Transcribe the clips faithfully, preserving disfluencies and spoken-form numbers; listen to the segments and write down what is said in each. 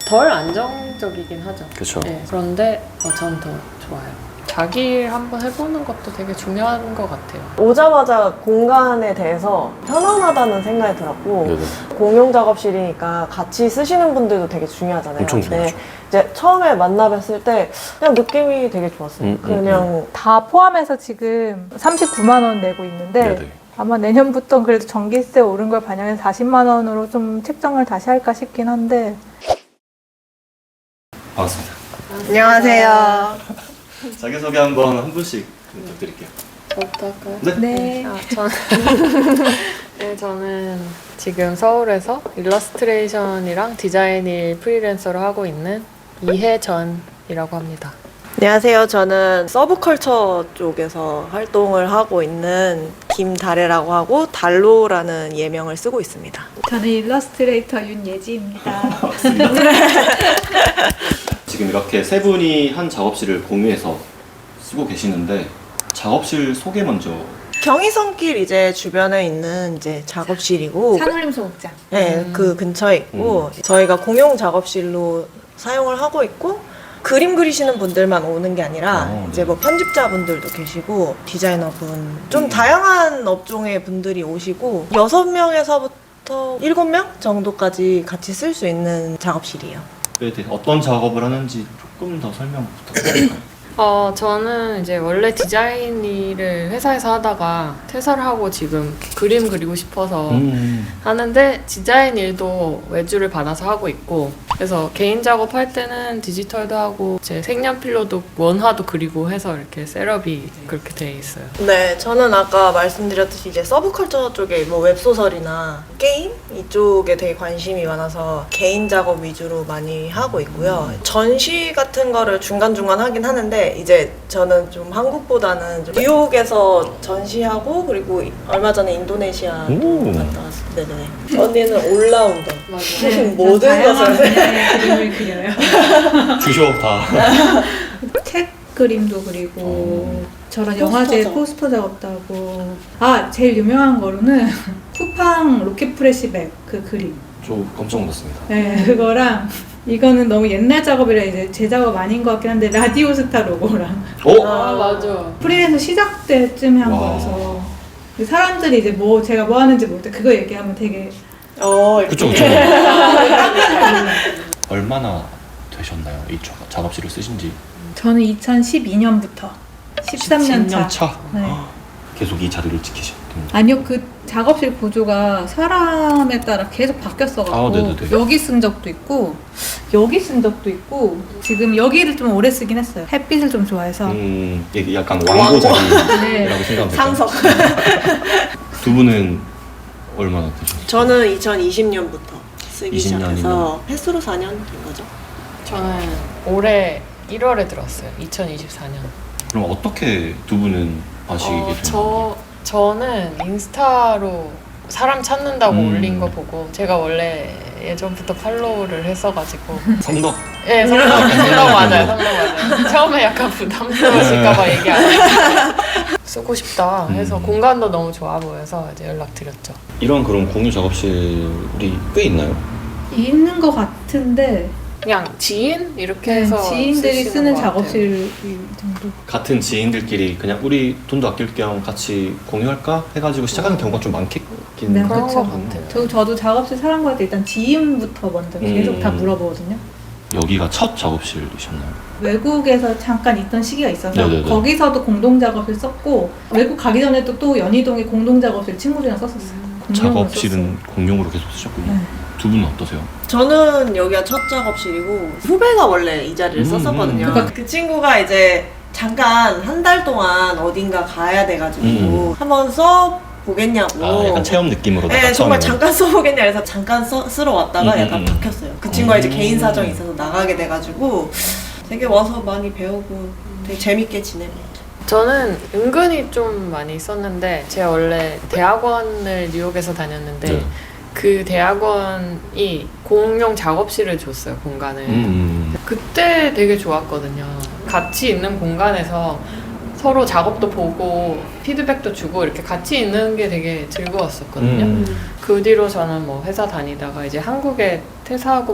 덜 안정적이긴 하죠. 그쵸. 네, 그런데 어, 전 더 좋아요. 자기 일 한번 해보는 것도 되게 중요한 것 같아요. 오자마자 공간에 대해서 편안하다는 생각이 들었고 네네. 공용 작업실이니까 같이 쓰시는 분들도 되게 중요하잖아요. 엄청 근데 중요하죠. 이제 처음에 만나뵀을 때 그냥 느낌이 되게 좋았어요. 음, 음, 그냥 다 포함해서 지금 삼십구만 원 내고 있는데 네네. 아마 내년부터 그래도 전기세 오른 걸 반영해서 사십만 원으로 좀 책정을 다시 할까 싶긴 한데. 반갑습니다. 안녕하세요. 자기소개 한번 한 분씩 부탁드릴게요. 저부터 할까요? 네. 네. 아, 전, 네, 저는 지금 서울에서 일러스트레이션이랑 디자인 일 프리랜서로 하고 있는 이혜전이라고 합니다. 안녕하세요. 저는 서브컬처 쪽에서 활동을 하고 있는 김다래라고 하고 달로라는 예명을 쓰고 있습니다. 저는 일러스트레이터 윤예지입니다. 지금 이렇게 세 분이 한 작업실을 공유해서 쓰고 계시는데 작업실 소개 먼저. 경의선길 이제 주변에 있는 이제 작업실이고 산울림 소극장. 네, 음. 그 근처에 있고 저희가 공용 작업실로 사용을 하고 있고 그림 그리시는 분들만 오는 게 아니라 어, 네. 이제 뭐 편집자분들도 계시고 디자이너분 좀 다양한 업종의 분들이 오시고 여섯 명에서부터 일곱 명 정도까지 같이 쓸 수 있는 작업실이에요. 에 대해 어떤 작업을 하는지 조금 더 설명 부탁드릴까요? 어, 저는 이제 원래 디자인 일을 회사에서 하다가 퇴사를 하고 지금 그림 그리고 싶어서 음. 하는데 디자인 일도 외주를 받아서 하고 있고 그래서 개인 작업할 때는 디지털도 하고 제 색연필로도 원화도 그리고 해서 이렇게 셋업이 그렇게 돼 있어요. 네, 저는 아까 말씀드렸듯이 이제 서브컬처 쪽에 뭐 웹소설이나 게임 이쪽에 되게 관심이 많아서 개인 작업 위주로 많이 하고 있고요. 전시 같은 거를 중간중간 하긴 하는데 이제 저는 좀 한국보다는 좀 뉴욕에서 전시하고 그리고 얼마 전에 인도네시아 오. 갔다 왔어요. 네네. 언니는 올라운더. 맞아요. 모든 것을 그림을 그려요. 주쇼 다. 책 그림도 그리고 어. 저런 포스터 영화제 작업. 포스터 작업도 하고. 아, 제일 유명한 거로는 쿠팡 로켓 프레시백 그 그림. 저 깜짝 놀랐습니다. 네, 그거랑 이거는 너무 옛날 작업이라 이제 제 작업 아닌 것 같긴 한데 라디오스타 로고랑 어? 아, 맞아. 프리랜서 시작 때쯤에 한 와. 거여서 사람들이 이제 뭐 제가 뭐 하는지 모를 때 그거 얘기하면 되게 어, 그쵸 그쵸. 깜짝 얼마나 되셨나요? 이 자- 작업실을 쓰신 지? 저는 이천십이 년부터 십삼 년 차. 차. 네. 계속 이 자리를 지키셨던. 아니요, 그 작업실 구조가 사람에 따라 계속 바뀌었어가지고 아, 네네네. 여기 쓴 적도 있고 여기 쓴 적도 있고 지금 여기를 좀 오래 쓰긴 했어요. 햇빛을 좀 좋아해서. 음, 이게 약간 왕고 자리라고 네. 생각하면 될까요? 상석. 두 분은 얼마나 되셨어요? 저는 이천이십 년부터 쓰기 이십 년이면. 시작해서 횟수로 사 년 된 거죠. 저는 올해 일월에 들었어요. 이천이십사 년. 그럼 어떻게 두 분은 아시게 어, 된 저, 거예요? 저는 인스타로 사람 찾는다고 음. 올린 거 보고 제가 원래 예전부터 팔로우를 했어가지고 성덕. 예, 성덕, 성덕 맞아요. 성덕 맞아요. 처음에 약간 부담스러우실까봐 얘기 안 했는데 쓰고 싶다 해서 음. 공간도 너무 좋아 보여서 이제 연락드렸죠. 이런 그런 공유 작업실이 꽤 있나요? 있는 것 같은데 그냥 지인? 이렇게 네, 해서 지인들이 쓰시는 쓰는 것 같아요. 작업실 정도. 같은 지인들끼리 그냥 우리 돈도 아낄 겸 같이 공유할까 해가지고 시작하는 경우가 좀 많긴 네, 그런 그쵸. 것 같아요. 저, 저도 작업실 사람 구할 때 일단 지인부터 먼저 계속 음. 다 물어보거든요. 여기가 첫 작업실이셨나요? 외국에서 잠깐 있던 시기가 있어서 네네네. 거기서도 공동 작업실 썼고 외국 가기 전에도 또 연희동에 공동 작업실 친구들이랑 썼었어요. 공용으로 작업실은 공용으로 계속 쓰셨군요. 네. 두 분은 어떠세요? 저는 여기가 첫 작업실이고 후배가 원래 이 자리를 음, 썼었거든요. 음. 그러니까 그 친구가 이제 잠깐 한 달 동안 어딘가 가야 돼가지고 음. 한번 써 보겠냐고. 아, 약간 체험 느낌으로. 네, 정말 잠깐 써보겠냐 해서 잠깐 써, 쓰러 왔다가 음, 약간 음. 바뀌었어요. 그 친구가 이제 음. 개인 사정이 있어서 나가게 돼가지고 되게 와서 많이 배우고 되게 재밌게 지내고 있죠. 저는 은근히 좀 많이 썼는데 제가 원래 대학원을 뉴욕에서 다녔는데 네. 그 대학원이 공용 작업실을 줬어요, 공간을. 음. 그때 되게 좋았거든요. 같이 있는 공간에서 서로 작업도 보고 피드백도 주고 이렇게 같이 있는 게 되게 즐거웠었거든요. 음. 그 뒤로 저는 뭐 회사 다니다가 이제 한국에 퇴사하고 막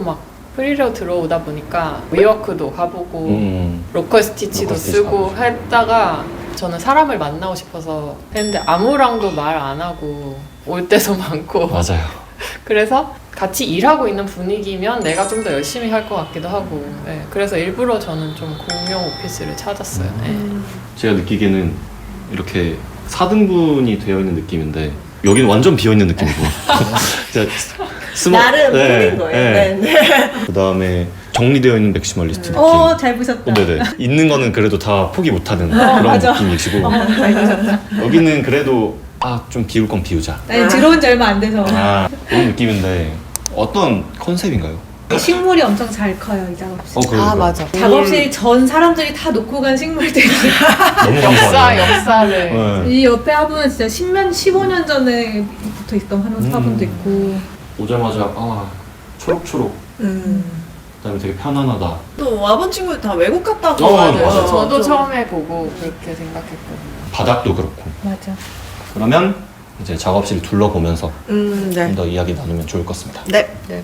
프리로 들어오다 보니까 위워크도 가보고 음. 로컬 스티치도 로컬 스티치 쓰고 가보고. 했다가 저는 사람을 만나고 싶어서 했는데 아무랑도 말 안 하고 올 때도 많고 맞아요. 그래서 같이 일하고 있는 분위기면 내가 좀 더 열심히 할 것 같기도 하고 네, 그래서 일부러 저는 좀 공용 오피스를 찾았어요. 네. 제가 느끼기에는 이렇게 사 등분이 되어 있는 느낌인데 여기는 완전 비어 있는 느낌이고. 진짜 스모- 나름 네, 꾸민 거예요. 네. 네. 네. 그 다음에 정리되어 있는 맥시멀리스트 느낌. 어, 잘 보셨다. 어, 네네. 있는 거는 그래도 다 포기 못하는 어, 그런 맞아. 느낌이시고 어, 잘 보셨다. 여기는 그래도 아 좀 비울 건 비우자. 아니, 들어온 지 얼마 안 돼서. 아 그런 느낌인데 어떤 컨셉인가요? 식물이 엄청 잘 커요, 이 작업실. 어 그래요. 아 맞아. 작업실 전 사람들이 다 놓고 간 식물들이. 너무 역사 감사해요. 역사를 네. 이 옆에 화분은 진짜 십년, 십오 년 전에 붙어 있던 화분, 음. 화분도 있고. 오자마자 아 초록초록. 음. 그다음에 되게 편안하다. 또 와본 친구들 다 외국 갔다고. 어, 맞아요. 맞아요. 저도 좀- 처음에 보고 그렇게 생각했거든요. 바닥도 그렇고. 맞아. 그러면 이제 작업실 둘러보면서 음, 네. 좀 더 이야기 나누면 좋을 것 같습니다. 네. 네.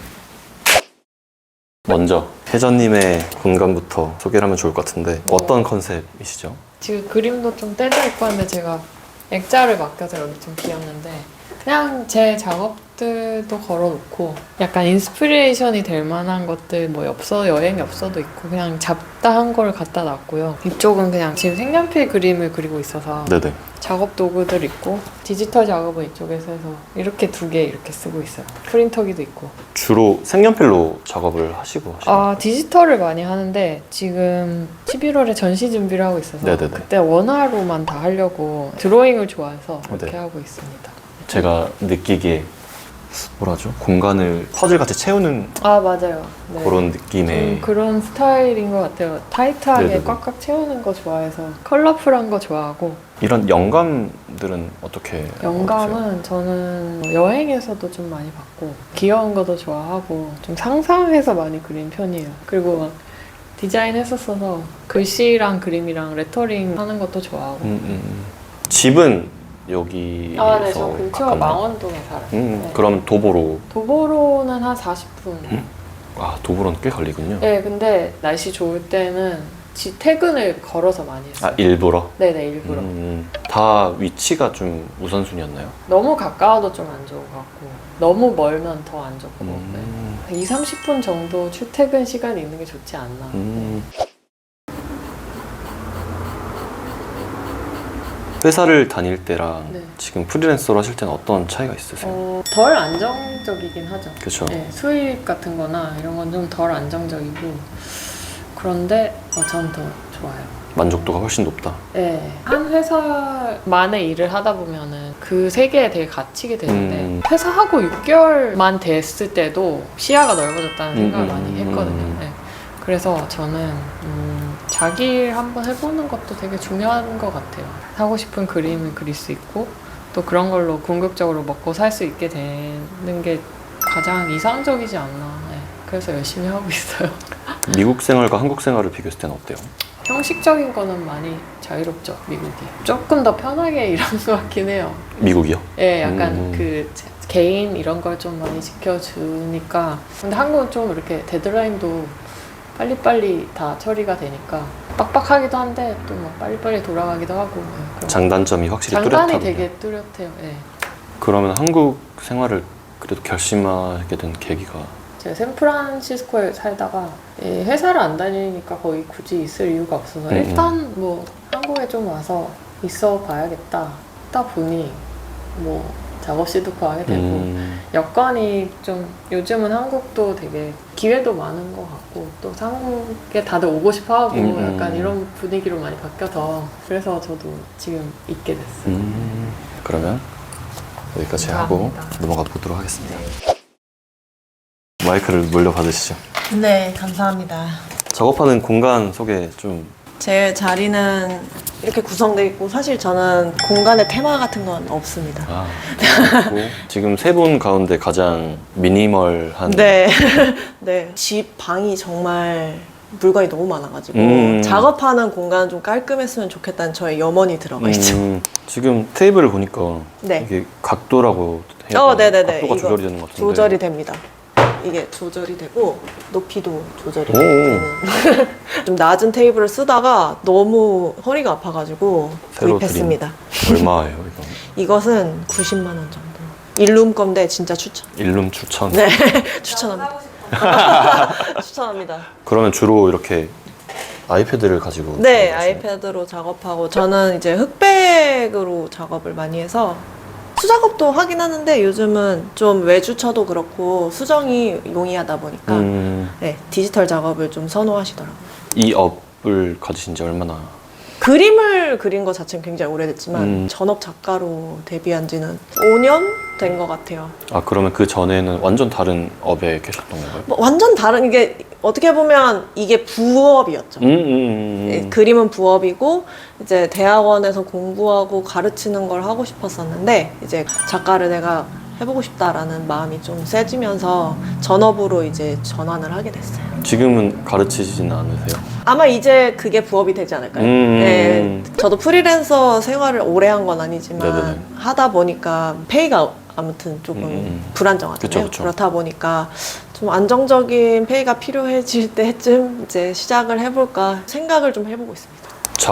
먼저 혜전님의 공간부터 소개를 하면 좋을 것 같은데 어떤 컨셉이시죠? 지금 그림도 좀 떼져 있고 한데 제가 액자를 맡겨서 여기 좀 비었는데 그냥 제 작업들도 걸어놓고 약간 인스피레이션이 될 만한 것들 뭐 엽서, 여행 엽서도 있고 그냥 잡다한 걸 갖다 놨고요. 이쪽은 그냥 지금 색연필 그림을 그리고 있어서 네네. 작업 도구들 있고 디지털 작업은 이쪽에서 해서 이렇게 두 개 이렇게 쓰고 있어요. 프린터기도 있고. 주로 색연필로 작업을 하시고 하시나요? 아 디지털을 많이 하는데 지금 십일월에 전시 준비를 하고 있어서 네네네. 그때 원화로만 다 하려고 드로잉을 좋아해서 그렇게 네. 하고 있습니다. 제가 느끼기에 뭐라죠? 공간을 퍼즐같이 채우는 아 맞아요. 네. 그런 느낌의 좀 그런 스타일인 것 같아요. 타이트하게 네네네. 꽉꽉 채우는 거 좋아해서 컬러풀한 거 좋아하고 이런 영감들은 어떻게 얻으세요? 영감은 저는 여행에서도 좀 많이 받고 귀여운 것도 좋아하고 좀 상상해서 많이 그린 편이에요. 그리고 막 디자인 했었어서 글씨랑 그림이랑 레터링 하는 것도 좋아하고 음, 음, 음. 집은 여기에서 아, 네, 저 근처 가깝나요? 망원동에 살아요. 음, 네. 그럼 도보로 도보로는 한 사십 분. 음? 아 도보로는 꽤 걸리군요. 네, 근데 날씨 좋을 때는 지 퇴근을 걸어서 많이 했어요. 아 일부러? 네네, 일부러. 음, 다 위치가 좀 우선순위였나요? 너무 가까워도 좀 안 좋은 것 같고, 너무 멀면 더 안 좋고, 음, 네. 이삼십 분 정도 출퇴근 시간이 있는 게 좋지 않나. 음. 회사를 다닐 때랑 네. 지금 프리랜서로 하실 때는 어떤 차이가 있으세요? 어, 덜 안정적이긴 하죠. 그렇죠. 네, 수입 같은 거나 이런 건 좀 덜 안정적이고, 그런데 어, 전 더 좋아요. 만족도가 훨씬 높다. 네, 한 회사만의 일을 하다 보면은 그 세계에 되게 갇히게 되는데 음. 회사하고 육 개월만 됐을 때도 시야가 넓어졌다는 생각을 음, 많이 음, 했거든요. 음. 네. 그래서 저는 음, 자기 일 한번 해보는 것도 되게 중요한 것 같아요. 하고 싶은 그림을 그릴 수 있고 또 그런 걸로 궁극적으로 먹고 살 수 있게 되는 게 가장 이상적이지 않나. 네. 그래서 열심히 하고 있어요. 미국 생활과 한국 생활을 비교했을 때는 어때요? 형식적인 거는 많이 자유롭죠, 미국이. 조금 더 편하게 일하는 것 같긴 해요. 미국이요? 예, 약간 음. 그 제- 개인 이런 걸 좀 많이 지켜주니까. 근데 한국은 좀 이렇게 데드라인도 빨리빨리 다 처리가 되니까 빡빡하기도 한데 또 막 빨리빨리 돌아가기도 하고. 예, 그런 장단점이 확실히 장단이 뚜렷하군요. 되게 뚜렷해요. 예. 그러면 한국 생활을 그래도 결심하게 된 계기가 제가 샌프란시스코에 살다가 이 회사를 안 다니니까 거의 굳이 있을 이유가 없어서 음, 일단 뭐 한국에 좀 와서 있어 봐야겠다 하다 보니 뭐 작업실도 구하게 되고 음, 여건이 좀 요즘은 한국도 되게 기회도 많은 것 같고 또 한국에 다들 오고 싶어 하고 음, 음. 약간 이런 분위기로 많이 바뀌어서 그래서 저도 지금 있게 됐어요. 음, 그러면 여기까지 하고 감사합니다. 넘어가 보도록 하겠습니다. 마이크를 물려받으시죠. 네, 감사합니다. 작업하는 공간 소개 좀 제 자리는 이렇게 구성되어 있고 사실 저는 공간의 테마 같은 건 없습니다. 아, 그리고 지금 세 분 가운데 가장 미니멀한 네. 네. 집 방이 정말 물건이 너무 많아가지고 음. 작업하는 공간 좀 깔끔했으면 좋겠다는 저의 염원이 들어가 있죠. 음, 지금 테이블을 보니까 네. 이게 각도라고 해야 어, 되나? 네네네. 각도가 이거 조절이 되는 것 같은데 조절이 됩니다. 이게 조절이 되고 높이도 조절이 오. 되는 좀 낮은 테이블을 쓰다가 너무 허리가 아파가지고 새로 구입했습니다. 얼마예요 이거? 이것은 구십만 원 정도. 일룸 건데 진짜 추천. 일룸 추천. 네, 추천합니다. 추천합니다. 그러면 주로 이렇게 아이패드를 가지고 네, 작업하시나요? 아이패드로 작업하고 저는 이제 흑백으로 작업을 많이 해서 수작업도 하긴 하는데 요즘은 좀 외주처도 그렇고 수정이 용이하다 보니까 음, 네, 디지털 작업을 좀 선호하시더라고요. 이 업을 가지신 지 얼마나? 그림을 그린 것 자체는 굉장히 오래됐지만 음. 전업 작가로 데뷔한 지는 오 년 된 것 같아요. 아 그러면 그 전에는 완전 다른 업에 계셨던 건가요? 뭐 완전 다른 이게 어떻게 보면 이게 부업이었죠. 음, 음, 음. 예, 그림은 부업이고 이제 대학원에서 공부하고 가르치는 걸 하고 싶었었는데 이제 작가를 내가 해보고 싶다라는 마음이 좀 세지면서 전업으로 이제 전환을 하게 됐어요. 지금은 가르치지는 않으세요? 아마 이제 그게 부업이 되지 않을까요? 음. 네, 저도 프리랜서 생활을 오래 한 건 아니지만 네네네. 하다 보니까 페이가 아무튼 조금 음. 불안정하잖아요. 그쵸, 그쵸. 그렇다 보니까 좀 안정적인 페이가 필요해질 때쯤 이제 시작을 해볼까 생각을 좀 해보고 있습니다.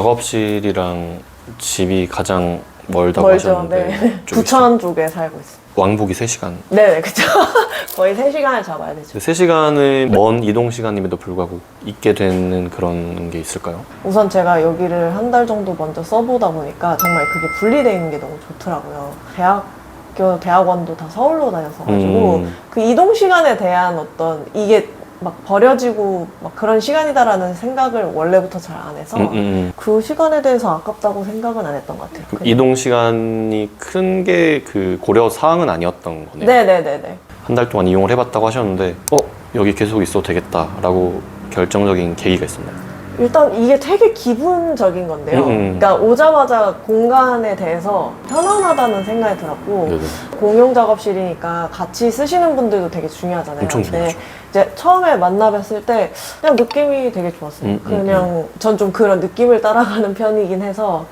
작업실이랑 집이 가장 멀다고 멀죠. 하셨는데 네. 좀 부천 쪽에 살고 있습니다. 왕복이 세 시간. 네네, 그쵸. 거의 세 시간을 잡아야 되죠. 세 시간의 먼 이동 시간임에도 불구하고 있게 되는 그런 게 있을까요? 우선 제가 여기를 한 달 정도 먼저 써보다 보니까 정말 그게 분리되어 있는 게 너무 좋더라고요. 대학교, 대학원도 다 서울로 다녔어가지고 음. 그 이동 시간에 대한 어떤 이게 막 버려지고 막 그런 시간이다라는 생각을 원래부터 잘 안 해서 음, 음, 음. 그 시간에 대해서 아깝다고 생각은 안 했던 것 같아요. 그 그냥. 이동 시간이 큰 게 그 고려 사항은 아니었던 거네요. 네네네네. 한 달 동안 이용을 해봤다고 하셨는데 어? 여기 계속 있어도 되겠다라고 결정적인 계기가 있었나요? 일단 이게 되게 기분적인 건데요. 음, 음. 그러니까 오자마자 공간에 대해서 편안하다는 생각이 들었고 네네. 공용 작업실이니까 같이 쓰시는 분들도 되게 중요하잖아요. 엄청 근데 중요하죠. 이제 처음에 만나 뵀을 때 그냥 느낌이 되게 좋았어요. 음, 음, 그냥 전 좀 그런 느낌을 따라가는 편이긴 해서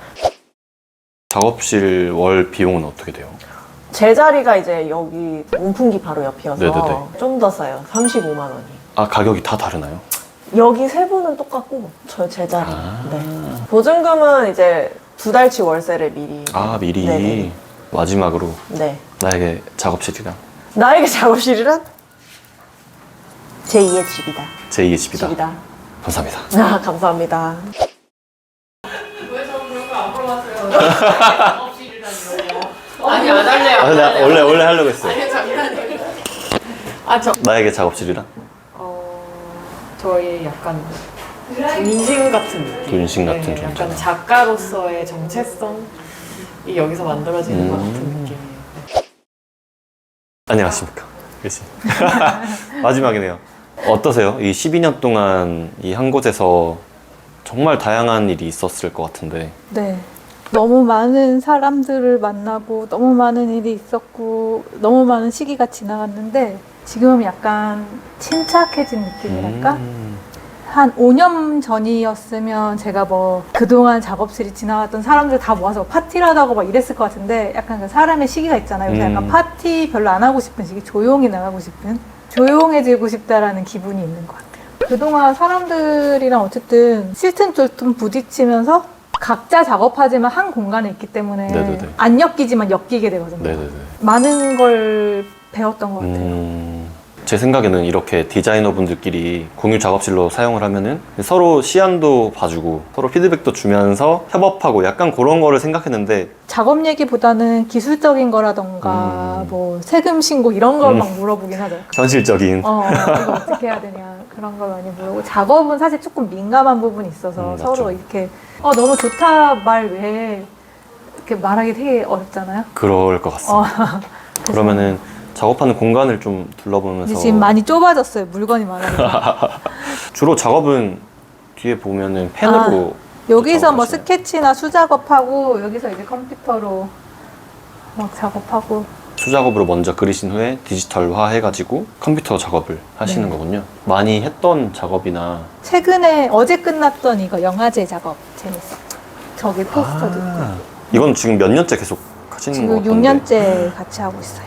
작업실 월 비용은 어떻게 돼요? 제 자리가 이제 여기 온풍기 바로 옆이어서 네네네. 좀 더 싸요. 삼십오만 원이. 아 가격이 다 다르나요? 여기 세 분은 똑같고 저 제 자리. 아. 네. 보증금은 이제 두 달치 월세를 미리. 아 미리 네네. 마지막으로 네. 나에게 작업실이랑 나에게 작업실이란 제이의 집이다. 제이의 집이다. 집이다. 감사합니다. 아, 감사합니다. 왜 저는 그런 거 안 물어봤어요? 작업실이라뇨. 아니 안 할래요. 아, 나 원래 원래 하려고 했어요. 아니 장난이에요. 아 저. 나에게 작업실이랑 어 저희 약간 분신 같은 느낌. 분신 같은 존재. 약간 작가로서의 정체성이 여기서 만들어지는 것 음. 같은 느낌이에요. 안녕하십니까. 그렇지. 마지막이네요. 어떠세요? 이 십이 년 동안 이 한 곳에서 정말 다양한 일이 있었을 것 같은데 네. 너무 많은 사람들을 만나고 너무 많은 일이 있었고 너무 많은 시기가 지나갔는데 지금 약간 침착해진 느낌이랄까? 음. 한 오 년 전이었으면 제가 뭐 그동안 작업실이 지나갔던 사람들 다 모아서 파티를 하다고 막 이랬을 것 같은데 약간 그 사람의 시기가 있잖아요. 그래서 음. 약간 파티 별로 안 하고 싶은 시기, 조용히 나가고 싶은, 조용해지고 싶다라는 기분이 있는 것 같아요. 그동안 사람들이랑 어쨌든 실튼쫄튼 부딪히면서 각자 작업하지만 한 공간에 있기 때문에 네네네. 안 엮이지만 엮이게 되거든요. 네네네. 많은 걸 배웠던 것 같아요. 음, 제 생각에는 이렇게 디자이너분들끼리 공유 작업실로 사용을 하면은 서로 시안도 봐주고 서로 피드백도 주면서 협업하고 약간 그런 거를 생각했는데 작업 얘기보다는 기술적인 거라던가 음. 뭐 세금 신고 이런 걸 음. 막 물어보긴 하죠. 현실적인 어, 이거 어떻게 해야 되냐 그런 걸 많이 물어보고 작업은 사실 조금 민감한 부분이 있어서 음, 맞죠. 서로 이렇게 어 너무 좋다 말 왜 이렇게 말하기 되게 어렵잖아요. 그럴 것 같습니다. 어, 그러면은 작업하는 공간을 좀 둘러보면서 지금 많이 좁아졌어요. 물건이 많아서. 주로 작업은 뒤에 보면은 펜으로 여기서 뭐 작업하시나요? 스케치나 수작업하고 여기서 이제 컴퓨터로 막 작업하고 수작업으로 먼저 그리신 후에 디지털화 해가지고 컴퓨터 작업을 하시는 네. 거군요. 많이 했던 작업이나 최근에 어제 끝났던 이거 영화제 작업 재밌어. 저기 포스터도 있고. 아, 이건 지금 몇 년째 계속 하시는 거 지금 같던데 육 년째 같이 하고 있어요.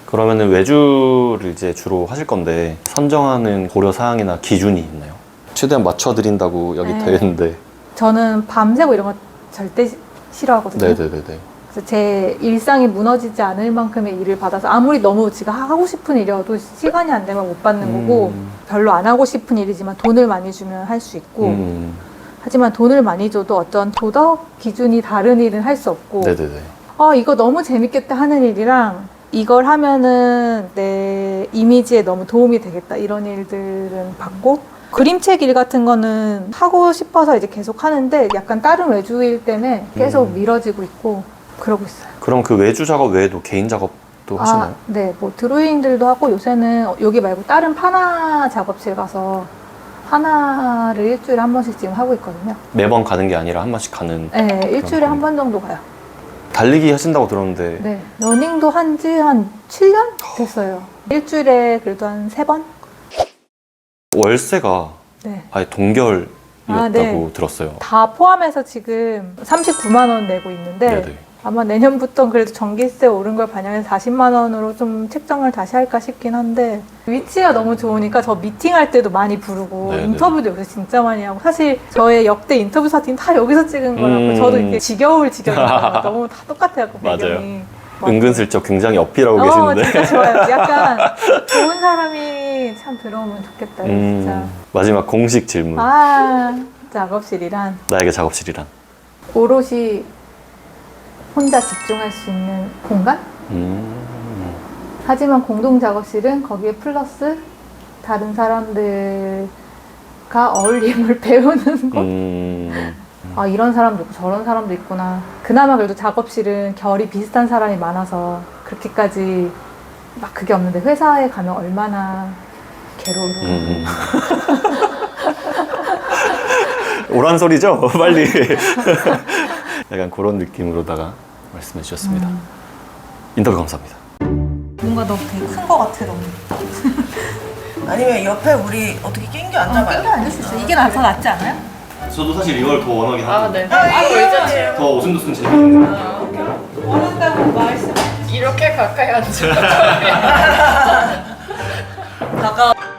그러면은 외주를 이제 주로 하실 건데 선정하는 고려 사항이나 기준이 있나요? 최대한 맞춰드린다고 여기 네. 되어 있는데. 저는 밤새고 이런 거 절대 시- 싫어하거든요. 네네네네. 그래서 제 일상이 무너지지 않을 만큼의 일을 받아서 아무리 너무 지가 하고 싶은 일이어도 시간이 안 되면 못 받는 거고 음. 별로 안 하고 싶은 일이지만 돈을 많이 주면 할 수 있고 음. 하지만 돈을 많이 줘도 어떤 도덕 기준이 다른 일은 할 수 없고 네네네. 아 이거 너무 재밌겠다 하는 일이랑 이걸 하면은 내 이미지에 너무 도움이 되겠다 이런 일들은 받고 그림책 일 같은 거는 하고 싶어서 이제 계속 하는데 약간 다른 외주일 때문에 계속 음. 미뤄지고 있고 그러고 있어요. 그럼 그 외주 작업 외에도 개인 작업도 하시나요? 아, 네, 뭐 드로잉들도 하고 요새는 여기 말고 다른 파나 작업실 가서 파나를 일주일에 한 번씩 지금 하고 있거든요. 매번 가는 게 아니라 한 번씩 가는. 네, 일주일에 그럼. 한 번 정도 가요. 달리기 하신다고 들었는데. 네, 러닝도 한 지 한 칠 년 됐어요. 일주일에 그래도 한 세 번? 월세가 네. 아예 동결이었다고 아, 네. 들었어요. 다 포함해서 지금 삼십구만 원 내고 있는데 네네. 아마 내년부터 그래도 전기세 오른 걸 반영해서 사십만 원으로 좀 책정을 다시 할까 싶긴 한데 위치가 너무 좋으니까 저 미팅할 때도 많이 부르고 네네. 인터뷰도 여기서 진짜 많이 하고 사실 저의 역대 인터뷰 사진 다 여기서 찍은 거라고 음. 저도 이게 지겨울 지경이에요. 너무 다 똑같아요. 그 맞아요. 배경이. 은근슬쩍 굉장히 어필하고 어, 계시는데. 진짜 좋아요. 약간 좋은 사람이 참 들어오면 좋겠다. 음, 진짜. 마지막 공식 질문. 아, 작업실이란 나에게 작업실이란? 오롯이 혼자 집중할 수 있는 공간? 음, 하지만 공동 작업실은 거기에 플러스 다른 사람들과 어울림을 배우는 곳? 음, 아, 이런 사람도 있고 저런 사람도 있구나. 그나마 그래도 작업실은 결이 비슷한 사람이 많아서 그렇게까지 막 그게 없는데 회사에 가면 얼마나 괴로워. 음. 오란 소리죠? 빨리. 약간 그런 느낌으로다가 말씀해 주셨습니다. 음. 인터뷰 감사합니다. 뭔가 너무 되게 큰 거 같아, 너무. 아니면 옆에 우리 어떻게 낑겨 앉아봐요? 땡겨 앉을 수 있어. 이게 나 더 낫지 않아요? 저도 사실 이걸 더 원하긴 아, 네. 아, 아, 이거 의자 의자예요. 더 오순도순 재밌는. 원한다고 말씀. 이렇게 가까이 앉아. 가까